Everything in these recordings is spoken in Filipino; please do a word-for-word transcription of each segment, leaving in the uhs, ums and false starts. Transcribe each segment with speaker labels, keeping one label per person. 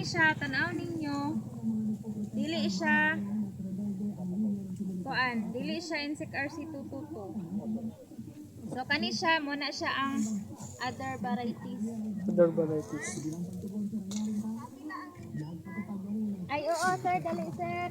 Speaker 1: siya, tanaw ninyo. Dili siya kuan, dili siya Insect R C two two two. So kani siya muna siya ang other varieties.
Speaker 2: Other varieties.
Speaker 1: Ay oo sir, dali sir.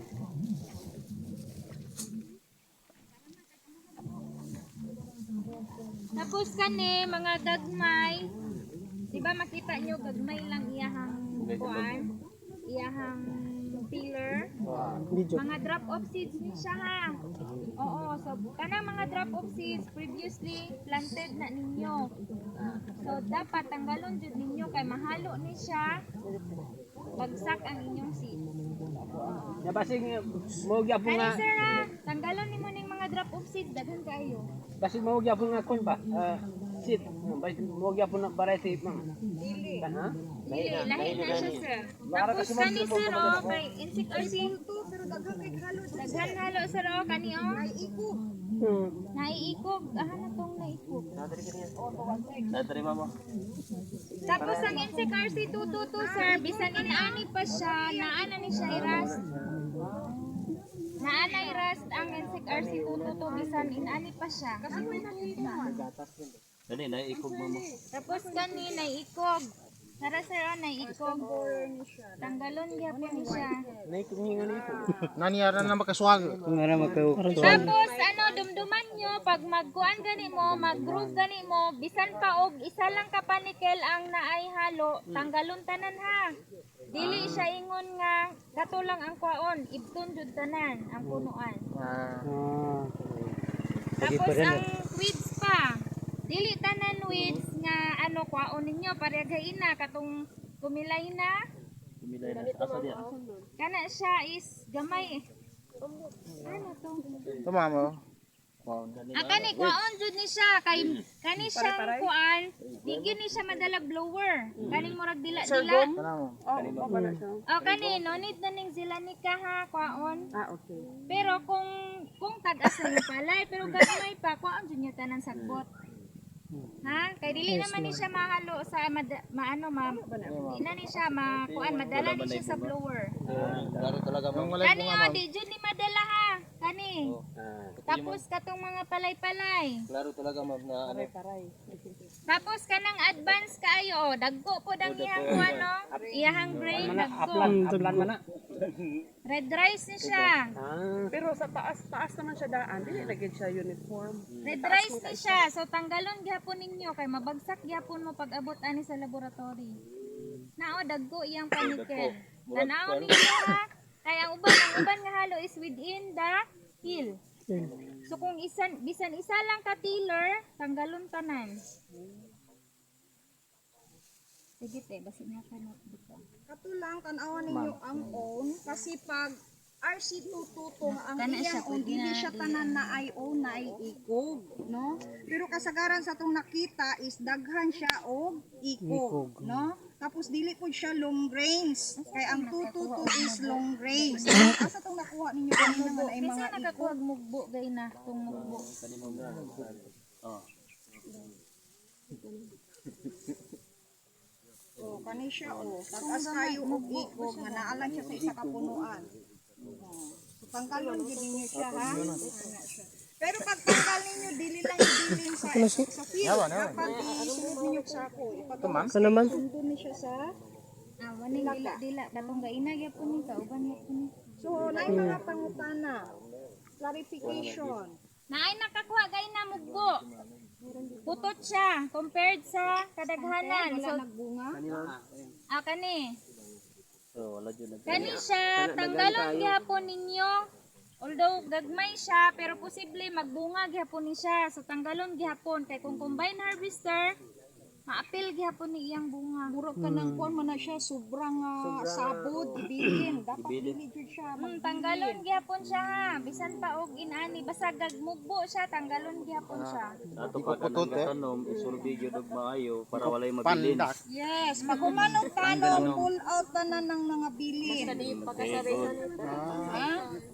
Speaker 1: Tapos kani mga gagmay, di ba makita nyo gagmay lang iyahang kuan, iyahang peeler. Mga drop off seeds ni siya ha. Oo, so kanang mga drop off seeds previously planted na ninyo. So dapat tanggalon jud ninyo kay mahalo ni siya. Bagsak ang inyong seeds.
Speaker 2: Ya basig mo gyapon
Speaker 1: Kani
Speaker 2: nga.
Speaker 1: sir ha, tanggalon nimo ning mga drop off seeds daghan kayo.
Speaker 2: Basig mo gyapon nga kun ba? Ah, seed. Basig mo gyapon na variety ma'am.
Speaker 1: Dili.
Speaker 2: Ha?
Speaker 1: Dili, lahi na siya sir. Tapos kani sir oh, kay Insect R C
Speaker 3: pero daghan kay halo
Speaker 1: daghan halo sir oh, kani oh.
Speaker 3: ikog.
Speaker 2: Hmm.
Speaker 1: Naiikog, ahan na tong naikog.
Speaker 2: Dadri mama.
Speaker 1: Tapos ang Insect R C two two two sir, bisan inaani pa siya, naana ni siya i-rust. Naana i-rust ang Insect R C two two two, bisan inaani pa siya. Kasi may nakita.
Speaker 2: Dali na ikog mama.
Speaker 1: Tapos kani naiikog. Tara sir, oh, naiikog. Tanggalon gyapon ni siya.
Speaker 2: Naikog ni ngani ikog.
Speaker 4: Nani ara na makaswag.
Speaker 2: Ngara makaw.
Speaker 1: Tapos ano, dumduman nyo, pag magkuan gani mo, mag-groove gani mo, bisan pa og isa lang ka panikel ang naay halo, tanggalon tanan ha. Dili siya ingon nga, kato lang ang kwaon, ibton jud tanan ang punuan.
Speaker 2: Ah.
Speaker 1: Tapos ang weeds pa, dili tanan weeds nga ano kwaon ninyo, parehagain na, katong kumilay na.
Speaker 2: Kumilay na asa dia.
Speaker 1: Kana siya is gamay eh. Ano to?
Speaker 4: Tama mo.
Speaker 1: Ah, kani kuan jud ni siya kay kani siyang kuan, di gyud ni siya madalag blower. Kaning murag dila-dila.
Speaker 4: Tama mo.
Speaker 1: Oh, kani no need na ning zilanika ha kuan.
Speaker 3: Ah, okay.
Speaker 1: Pero kung kung tag-as na palay pero gagmay pa kuan jud niya tanan sagbot. Ha? Kay dili naman ni siya mahalo sa mada, maano ma di na ni siya ma kuan madala ni siya sa blower.
Speaker 2: Klaro talaga
Speaker 4: Yung
Speaker 2: ma'am.
Speaker 4: walay
Speaker 1: Kani
Speaker 4: bunga
Speaker 1: oh,
Speaker 4: ma'am.
Speaker 1: di jud ni madala ha. Kani. Tapos katong mga palay-palay.
Speaker 2: Klaro talaga ma'am na ano.
Speaker 1: Tapos kanang advance kaayo, oh, dagko po dang iyang kuan no. Iyahang grain dagko.
Speaker 2: Aplan man na.
Speaker 1: Red rice ni siya.
Speaker 2: Ah.
Speaker 3: Pero sa taas, taas naman siya daan. Dili lagi siya uniform.
Speaker 1: Red rice ni siya. So tanggalon gyapon ninyo kay mabagsak gyapon mo pag abot ani sa laboratory. Nao dagko iyang panikel. Tanaw ninyo ha. Kay ang uban ang uban nga halo is within the hill. So kung isan bisan isa lang ka tiller, tanggalon tanan. Sige te, basi na ka notebook.
Speaker 3: Kato lang tanawan ninyo ang own kasi pag R C two two two ang
Speaker 1: Kana siya,
Speaker 3: iyang own,
Speaker 1: pwede
Speaker 3: dili
Speaker 1: na
Speaker 3: siya
Speaker 1: din
Speaker 3: tanan na ay own na ay ikog, no? Pero kasagaran sa tong nakita is daghan siya og ikog, no? Tapos dili pud siya long range. Kay ang two two two is long range. Asa tong nakuha ninyo kanina man ay
Speaker 1: Kasi
Speaker 3: mga ikog?
Speaker 1: nakakuha mugbo gay na tong mugbo.
Speaker 2: Oh.
Speaker 3: Oh, kani siya oh. Tagas kayo og ikog nga naalang siya sa isa ka punuan. Oh. So tanggalon gid ninyo siya ha. Ana siya. Pero pag tanggal ninyo dili lang idilin sa sa field. Dapat isunod ninyo sa ako. Ipatong
Speaker 2: Sa naman.
Speaker 3: sundo ni siya sa.
Speaker 1: Ah, wani dila dila katong gaina gyapon ni kauban gyapon ni.
Speaker 3: So naay mga pangutana. Clarification.
Speaker 1: Naay nakakuha gay na mugbo. Putot siya compared sa kadaghanan. So
Speaker 3: Wala nagbunga.
Speaker 1: ah kani.
Speaker 2: So wala jud.
Speaker 1: Kani siya tanggalon gyapon ninyo. Although gagmay siya pero posible magbunga gyapon ni siya. So tanggalon gyapon kay kung combine harvester maapil gyapon ni iyang bunga.
Speaker 3: Mura ka nang kuan man na siya sobrang uh, sabod bilin. Dapat dili jud siya.
Speaker 1: Hmm, tanggalon gyapon siya ha. Bisan pa og inani basta gagmugbo siya tanggalon gyapon siya.
Speaker 2: Ato pa kanang tanom isurvey gyud og maayo para walay mabilin.
Speaker 4: Pandak.
Speaker 3: Yes, pag humanong tanong, pull out na ng mga bilin. Basta di
Speaker 1: pagkasabihan.
Speaker 3: Ha?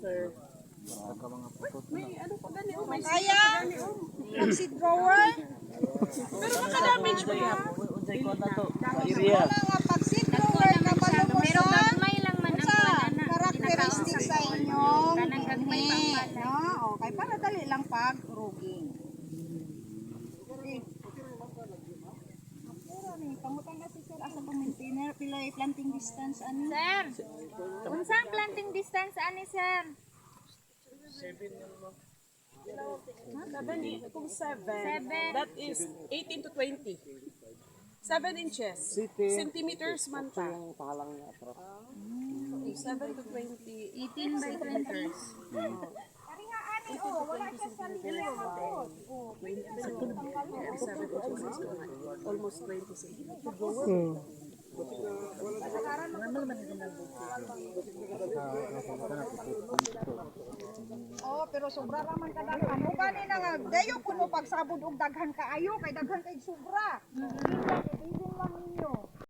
Speaker 3: May ano pa gani oh, may kaya pag-seed grower. Pero maka-damage mo yan.
Speaker 2: Unsay ko na to?
Speaker 3: Area. Wala nga pag-seed grower na palubos. unsay planting distance ani?
Speaker 1: Sir, unsang planting distance ani sir?
Speaker 5: Seven, kung seven,
Speaker 1: Seven.
Speaker 5: that is eighteen to twenty. Seven inches. Centimeters man ta. Seven to twenty.
Speaker 1: eighteen by twenty.
Speaker 3: Ari nga ani oh, wala siya sa linya mo. Oh,
Speaker 5: Seven inches is almost twenty centimeters.
Speaker 3: oh, pero sobra ra man kadaghan. Mo gani na nga dayo kuno pagsabod og daghan kaayo kay daghan kay sobra. Even lang